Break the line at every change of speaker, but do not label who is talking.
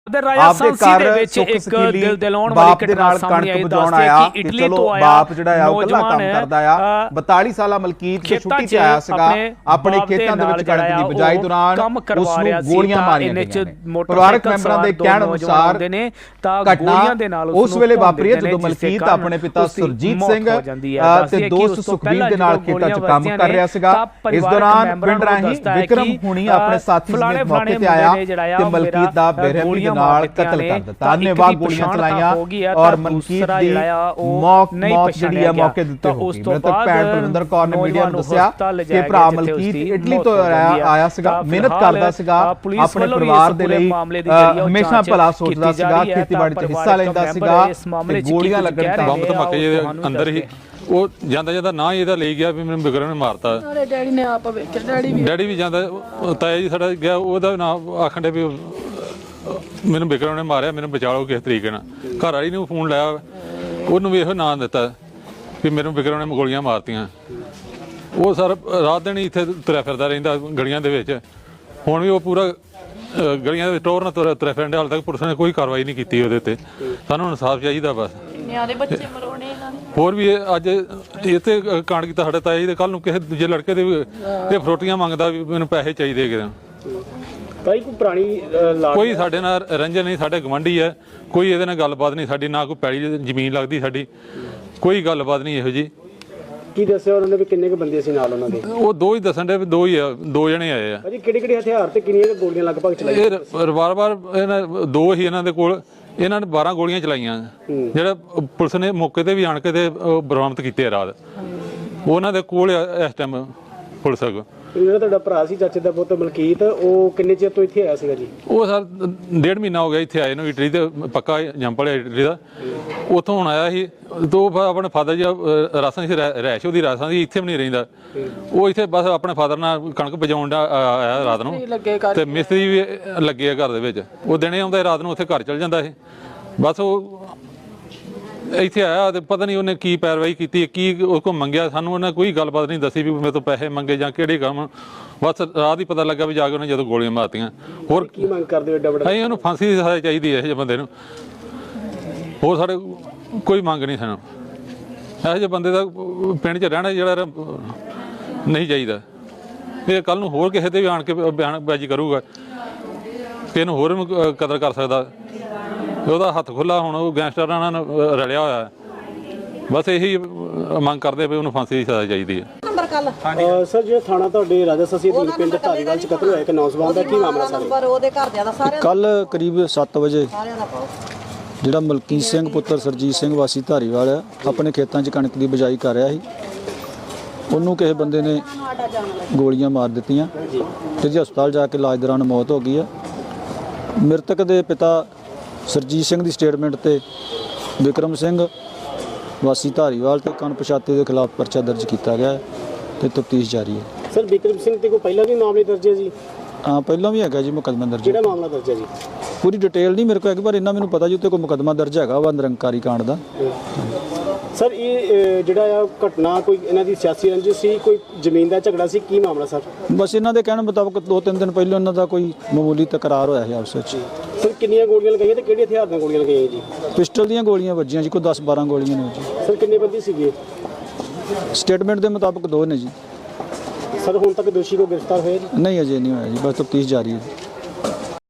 आपदे घर सुख सकीली बाप दे नाल कणक बजाउण आया कि चलो बाप जिहड़ा आ ओह कल्ला काम करदा आ 42 साला मलकीत जो छुट्टी ते आया सीगा अपने खेतां दे विच कणक दी बिजाई दौरान उस नूं गोलियां मारीਆਂ गईਆਂ ने परिवारक मैंबरां दे कहण अनुसार घटना उस वेले वापरी है जदों मलकीत अपने पिता सुरजीत सिंह ते दोस्त सुखबीर दे नाल खेतां च काम कर रहा सीगा। इस दौरान पिंड राही विक्रम हुणी अपने साथी समेत मौके ते आया ते मलकीत दा बेरहमी दे नाल कतल कर दिता। अन्नेवाह गोलियां चलाईयां और मलकीत दी मौत जिहड़ी है मौके दे उत्ते हो गई। मृतक भैण बलविंदर कौर ने मीडिया नूं दस्सिया कि भरा मलकीत इटली तो आया सीगा, मेहनत करदा सीगा, अपने परिवार दे लई हमेशा भला सोचदा सीगा, खेतीबाड़ी च हिस्सा लैंदा सीगा ते गोलियां लगण ते
बंब धमाके अंदर ही ਉਹ ਜਾਂਦਾ ਜਾਂਦਾ ਨਾ ਇਹਦਾ ਲੈ ਗਿਆ ਵੀ ਮੈਨੂੰ ਵਿਕਰਮ ਨੇ ਮਾਰਤਾ।
ਡੈਡੀ ਨੇ ਆਪ ਵੇਖਿਆ,
ਡੈਡੀ ਵੀ ਜਾਂਦਾ, ਤਾਇਆ ਜੀ ਸਾਡਾ ਗਿਆ, ਉਹਦਾ ਨਾਮ ਆਖਣ ਦੇ ਵੀ ਮੈਨੂੰ ਵਿਕਰਮ ਨੇ ਮਾਰਿਆ, ਮੈਨੂੰ ਬਚਾ ਲਓ ਕਿਸ ਤਰੀਕੇ ਨਾਲ। ਘਰ ਵਾਲੀ ਨੂੰ ਫੋਨ ਲਾਇਆ, ਉਹਨੂੰ ਵੀ ਇਹੋ ਨਾਂ ਦਿੱਤਾ ਵੀ ਮੈਨੂੰ ਵਿਕਰਮ ਨੇ ਗੋਲੀਆਂ ਮਾਰਤੀਆਂ। ਉਹ ਸਰ ਰਾਤ ਦਿਨ ਇੱਥੇ ਤੁਰਿਆ ਫਿਰਦਾ ਰਹਿੰਦਾ ਗਲੀਆਂ ਦੇ ਵਿੱਚ। ਹੁਣ ਵੀ ਉਹ ਪੂਰਾ ਗਲੀਆਂ ਦੇ ਟੋਰ ਨਾਲ ਤੁਰਿਆ ਫਿਰਦਾ। ਹਾਲੇ ਤੱਕ ਪੁਲਿਸ ਨੇ ਕੋਈ ਕਾਰਵਾਈ ਨਹੀਂ ਕੀਤੀ ਉਹਦੇ ਉੱਤੇ। ਸਾਨੂੰ ਇਨਸਾਫ ਚਾਹੀਦਾ ਬਸ। ਹੋਰ ਵੀ ਅੱਜ ਇੱਥੇ ਕਾਂਡ ਕੀਤਾ ਸਾਡੇ ਤਾਇਆ ਜੀ ਦੇ। ਕੱਲ ਨੂੰ ਕਿਸੇ ਦੂਜੇ ਲੜਕੇ ਦੇ ਇਹ ਫਰੋਟੀਆਂ ਮੰਗਦਾ ਵੀ ਮੈਨੂੰ ਪੈਸੇ ਚਾਹੀਦੇ ਹੈਗੇ।
ਕੋਈ ਪੁਰਾਣੀ
ਕੋਈ ਸਾਡੇ ਨਾਲ ਰੰਜਨ ਨਹੀਂ, ਸਾਡੇ ਗਵਾਂਢੀ ਹੈ, ਕੋਈ ਇਹਦੇ ਨਾਲ ਗੱਲਬਾਤ ਨਹੀਂ ਸਾਡੀ, ਨਾ ਕੋਈ ਪੈਲੀ ਜ਼ਮੀਨ ਲੱਗਦੀ ਸਾਡੀ, ਕੋਈ ਗੱਲਬਾਤ ਨਹੀਂ ਇਹੋ ਜੀ।
ਕੀ ਦੱਸਿਆ ਉਹਨਾਂ ਨੇ ਵੀ ਕਿੰਨੇ ਕੁ ਬੰਦੇ ਸੀ ਨਾਲ ਉਹਨਾਂ ਦੇ?
ਉਹ ਦੋ ਹੀ ਦੱਸਣ ਦੇ, ਦੋ ਹੀ ਆ, ਦੋ ਜਣੇ ਆਏ ਆ।
ਭਾਜੀ ਕਿਹੜੇ ਹਥਿਆਰ ਤੇ ਕਿੰਨੀਆਂ ਗੋਲੀਆਂ ਲਗਭਗ ਚਲਾਈਆਂ?
ਇਹ ਰਿਵਾਲਵਰ ਇਹਨਾਂ ਦੋ ਹੀ ਇਹਨਾਂ ਦੇ ਕੋਲ। ਇਹਨਾਂ ਨੇ 12 ਗੋਲੀਆਂ ਚਲਾਈਆਂ, ਜਿਹੜਾ ਪੁਲਿਸ ਨੇ ਮੌਕੇ ਤੇ ਵੀ ਆਣ ਕੇ ਤੇ ਬਰਾਮਦ ਕੀਤੇ ਰਾਤ। ਉਹਨਾਂ ਦੇ ਕੋਲ ਇਸ ਟਾਈਮ ਪੁਲਿਸ ਕੋਲ।
ਜਿਹੜਾ ਤੁਹਾਡਾ ਭਰਾ ਸੀ ਚਾਚੇ ਦਾ ਪੁੱਤ ਮਲਕੀਤ, ਉਹ ਕਿੰਨੇ ਚਿਰ ਤੋਂ ਇੱਥੇ ਆਇਆ ਸੀਗਾ ਜੀ?
ਉਹ ਸਰ 1.5 ਮਹੀਨਾ ਹੋ ਗਿਆ ਇੱਥੇ ਆਏ ਨੂੰ। ਇਟਲੀ ਤੇ ਪੱਕਾ ਜੰਪਲ ਇਟਲੀ ਦਾ, ਉੱਥੋਂ ਹੁਣ ਆਇਆ ਸੀ। ਤੋਂ ਆਪਣੇ ਫਾਦਰ ਜੀ ਰਾਸਾਂ ਸੀ, ਰਹਿਸ਼ ਉਹਦੀ ਰਾਸਾਂ ਦੀ, ਇੱਥੇ ਵੀ ਨਹੀਂ ਰਹਿੰਦਾ ਉਹ। ਇੱਥੇ ਬਸ ਆਪਣੇ ਫਾਦਰ ਨਾਲ ਕਣਕ ਬਜਾਉਣ ਆਇਆ ਰਾਤ ਨੂੰ, ਤੇ ਮਿਸਤਰੀ ਵੀ ਲੱਗੇ ਆ ਘਰ ਦੇ ਵਿੱਚ। ਉਹ ਦਿਨੇ ਆਉਂਦਾ, ਰਾਤ ਨੂੰ ਉੱਥੇ ਘਰ ਚਲ ਜਾਂਦਾ ਇਹ। ਬਸ ਉਹ ਇੱਥੇ ਆਇਆ ਤੇ ਪਤਾ ਨਹੀਂ ਉਹਨੇ ਕੀ ਪੈਰਵਾਈ ਕੀਤੀ, ਕੀ ਉਸ ਕੋਲ ਮੰਗਿਆ। ਸਾਨੂੰ ਉਹਨੇ ਕੋਈ ਗੱਲਬਾਤ ਨਹੀਂ ਦੱਸੀ ਵੀ ਮੇਰੇ ਤੋਂ ਪੈਸੇ ਮੰਗੇ ਜਾਂ ਕਿਹੜੇ ਕੰਮ। ਬਸ ਰਾਤ ਹੀ ਪਤਾ ਲੱਗਾ ਵੀ ਜਾ ਕੇ ਉਹਨੇ ਜਦੋਂ ਗੋਲੀਆਂ ਮਾਰਤੀਆਂ। ਹੋਰ
ਕੀ ਮੰਗ ਕਰਦੇ ਹੋ? ਏਡਾ ਵੱਡਾ
ਅਸੀਂ ਉਹਨੂੰ ਫਾਂਸੀ ਦੀ ਸਜ਼ਾ ਚਾਹੀਦੀ ਹੈ ਇਹੋ ਜਿਹੇ ਬੰਦੇ ਨੂੰ। ਹੋਰ ਸਾਡੇ ਕੋਈ ਮੰਗ ਨਹੀਂ ਸਾਨੂੰ। ਇਹੋ ਜਿਹੇ ਬੰਦੇ ਦਾ ਪਿੰਡ 'ਚ ਰਹਿਣਾ ਜਿਹੜਾ ਨਹੀਂ ਚਾਹੀਦਾ। ਇਹ ਕੱਲ੍ਹ ਨੂੰ ਹੋਰ ਕਿਸੇ ਤੇ ਵੀ ਆਣ ਕੇ ਬਿਆਨਬਾਜ਼ੀ ਕਰੂਗਾ ਕਿ ਇਹਨੂੰ ਹੋਰ ਕਦਰ ਕਰ ਸਕਦਾ। ਉਹਦਾ ਹੱਥ ਖੁੱਲ੍ਹਾ, ਹੁਣ ਉਹ ਗੈਂਗਸਟਰਾਂ ਨਾਲ ਰਲਿਆ ਹੋਇਆ। ਬਸ ਇਹੀ ਮੰਗ ਕਰਦੇ ਵੀ ਉਹਨੂੰ ਫਾਂਸੀ ਦੀ ਸਜ਼ਾ ਚਾਹੀਦੀ ਹੈ।
ਸਰ ਜਿਹੜਾ ਥਾਣਾ ਤੁਹਾਡੇ ਰਾਜਾ ਸਸੀ ਦੀ ਪਿੰਡ ਧਾਰੀਵਾਲ 'ਚ ਕਤਲ ਹੋਇਆ ਇੱਕ ਨੌਜਵਾਨ ਦਾ, ਕੀ ਮਾਮਲਾ ਸਰ?
ਕੱਲ ਕਰੀਬ 7 ਵਜੇ ਜਿਹੜਾ ਮਲਕੀਤ ਸਿੰਘ ਪੁੱਤਰ ਸਰਜੀਤ ਸਿੰਘ ਵਾਸੀ ਧਾਰੀਵਾਲ ਆ, ਆਪਣੇ ਖੇਤਾਂ 'ਚ ਕਣਕ ਦੀ ਬਿਜਾਈ ਕਰ ਰਿਹਾ ਸੀ। ਉਹਨੂੰ ਕਿਸੇ ਬੰਦੇ ਨੇ ਗੋਲੀਆਂ ਮਾਰ ਦਿੱਤੀਆਂ ਤੇ ਜੀ ਹਸਪਤਾਲ ਜਾ ਕੇ ਇਲਾਜ ਦੌਰਾਨ ਮੌਤ ਹੋ ਗਈ ਆ। ਮ੍ਰਿਤਕ ਦੇ ਪਿਤਾ ਸਰਜੀਤ ਸਿੰਘ ਦੀ ਸਟੇਟਮੈਂਟ ਤੇ ਵਿਕਰਮ ਸਿੰਘ ਵਾਸੀ ਧਾਰੀਵਾਲ ਤੇ ਅਣਪਛਾਤੇ ਦੇ ਖਿਲਾਫ ਪਰਚਾ ਦਰਜ ਕੀਤਾ ਗਿਆ ਤੇ ਤਫਤੀਸ਼ ਜਾਰੀ ਹੈ।
ਸਰ ਵਿਕਰਮ ਸਿੰਘ ਤੇ ਕੋਈ ਪਹਿਲਾਂ ਵੀ ਮਾਮਲੇ ਦਰਜ ਹੈ ਜੀ?
ਹਾਂ, ਪਹਿਲਾਂ ਵੀ ਹੈਗਾ ਜੀ ਮੁਕੱਦਮਾ ਦਰਜ।
ਕਿਹੜਾ ਮਾਮਲਾ ਦਰਜ ਹੈ ਜੀ?
ਪੂਰੀ ਡਿਟੇਲ ਨਹੀਂ ਮੇਰੇ ਕੋਲ ਹੈਗੀ, ਪਰ ਇੰਨਾ ਮੈਨੂੰ ਪਤਾ ਜੀ ਉੱਤੇ ਕੋਈ ਮੁਕੱਦਮਾ ਦਰਜ ਹੈਗਾ ਵਾ ਨਿਰੰਕਾਰੀ ਕਾਂਡ ਦਾ।
ਸਰ ਇਹ ਜਿਹੜਾ ਆ ਘਟਨਾ ਕੋਈ ਇਹਨਾਂ ਦੀ ਸਿਆਸੀ ਰੰਜਿਸ਼ ਸੀ, ਕੋਈ ਜ਼ਮੀਨ ਦਾ ਝਗੜਾ ਸੀ, ਕੀ ਮਾਮਲਾ ਸਰ?
ਬਸ ਇਹਨਾਂ ਦੇ ਕਹਿਣ ਮੁਤਾਬਕ 2-3 ਦਿਨ ਪਹਿਲਾਂ ਇਹਨਾਂ ਦਾ ਕੋਈ ਮਾਮੂਲੀ ਤਕਰਾਰ ਹੋਇਆ ਸੀ ਆਪਸ ਵਿੱਚ।
ਸਰ ਕਿੰਨੀਆਂ ਗੋਲੀਆਂ ਲਗਾਈਆਂ ਤੇ ਕਿਹੜੇ ਹਥਿਆਰ ਨਾਲ ਗੋਲੀਆਂ ਲਗਾਈਆਂ ਜੀ?
ਪਿਸਟਲ ਦੀਆਂ ਗੋਲੀਆਂ ਵੱਜੀਆਂ ਜੀ, ਕੋਈ 10-12 ਗੋਲੀਆਂ ਨੇ ਜੀ।
ਸਰ ਕਿੰਨੇ ਬੰਦੇ ਸੀਗੇ?
ਸਟੇਟਮੈਂਟ ਦੇ ਮੁਤਾਬਕ 2 ਨੇ ਜੀ।
ਸਰ ਹੁਣ ਤੱਕ ਦੋਸ਼ੀ ਕੋ ਗ੍ਰਿਫਤਾਰ ਹੋਇਆ ਜੀ?
ਨਹੀਂ, ਅਜੇ ਨਹੀਂ ਹੋਇਆ ਜੀ, ਬਸ ਤਫਤੀਸ਼ ਜਾਰੀ ਹੈ।